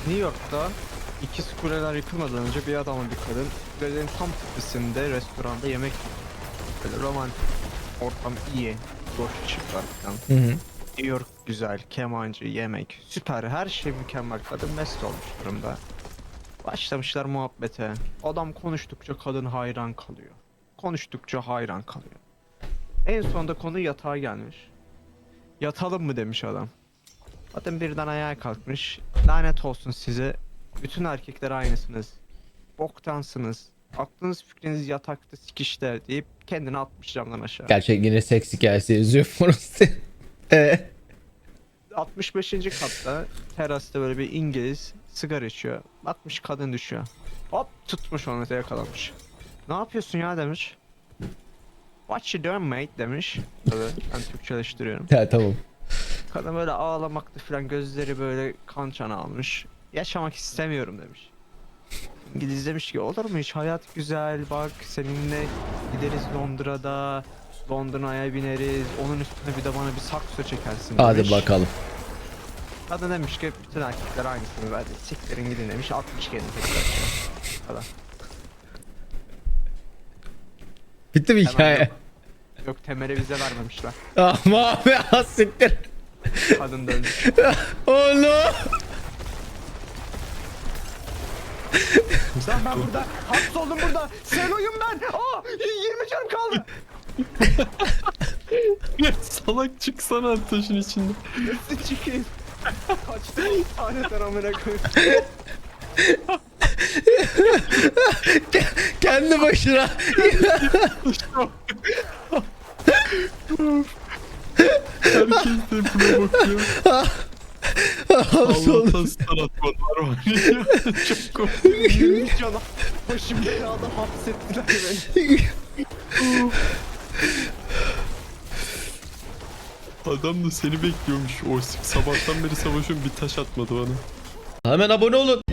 New York'ta ikiz kuleler yıkılmadan önce bir adamın bir kadın kulenin tam tepesinde restoranda yemek yiyor. Böyle romantik ortam iyi. Boş ışıklar falan. Hı hı. New York güzel, kemancı, yemek, süper, her şey mükemmel. Kadın mest olmuş durumda. Başlamışlar muhabbete. Adam konuştukça kadın hayran kalıyor. Konuştukça hayran kalıyor. En sonunda konu yatağa gelmiş. Yatalım mı demiş adam. Kadın birden ayağa kalkmış. Lanet olsun size. Bütün erkekler aynısınız. Boktansınız. Aklınız fikriniz yatakta sikişte deyip kendini atmış camdan aşağı. Gerçek yine seks hikayesi yazıyor Forrest. 65. katta terasta böyle bir İngiliz sigara içiyor. Bakmış kadın düşüyor. Hop tutmuş onu yakalamış. Ne yapıyorsun ya demiş. What you doing mate demiş. Tabii ben Türkçeleştiriyorum. Ha, tamam. Kadın böyle ağlamakta falan, gözleri böyle kan çana almış. Yaşamak istemiyorum demiş. İngiliz demiş ki olur mu hiç, hayat güzel, bak seninle gideriz Londra'da. Londra'ya bineriz. Onun üstüne bir de bana bir sakso çekersin demiş. Hadi bakalım. Kadın demiş ki bütün erkekler aynısını verdi. Siktirin gidin demiş. 60 kendini tekrar falan. Bitti mi Hemen hikaye? yok. Yok, temele vize vermemişler. Ama abi siktir. Kadın da ölmüş. Oh no. Lan ben burada hapsoldum burada. Selo'yum ben. Aa 20 canım kaldı. Ya salak çıksana taşın içinde. Nasıl çıkayım? Kaçtı hastaneden amına koyayım. Kendi başına. Herkes de buna bakıyor. Hapsoldu. Allah'tan sanatmanlar var ya. Çok komik. 20 canım. Başım belada hapsettiler beni. Adam da seni bekliyormuş. O sabahtan beri savaşıyorum, bir taş atmadı bana. Hemen abone olun.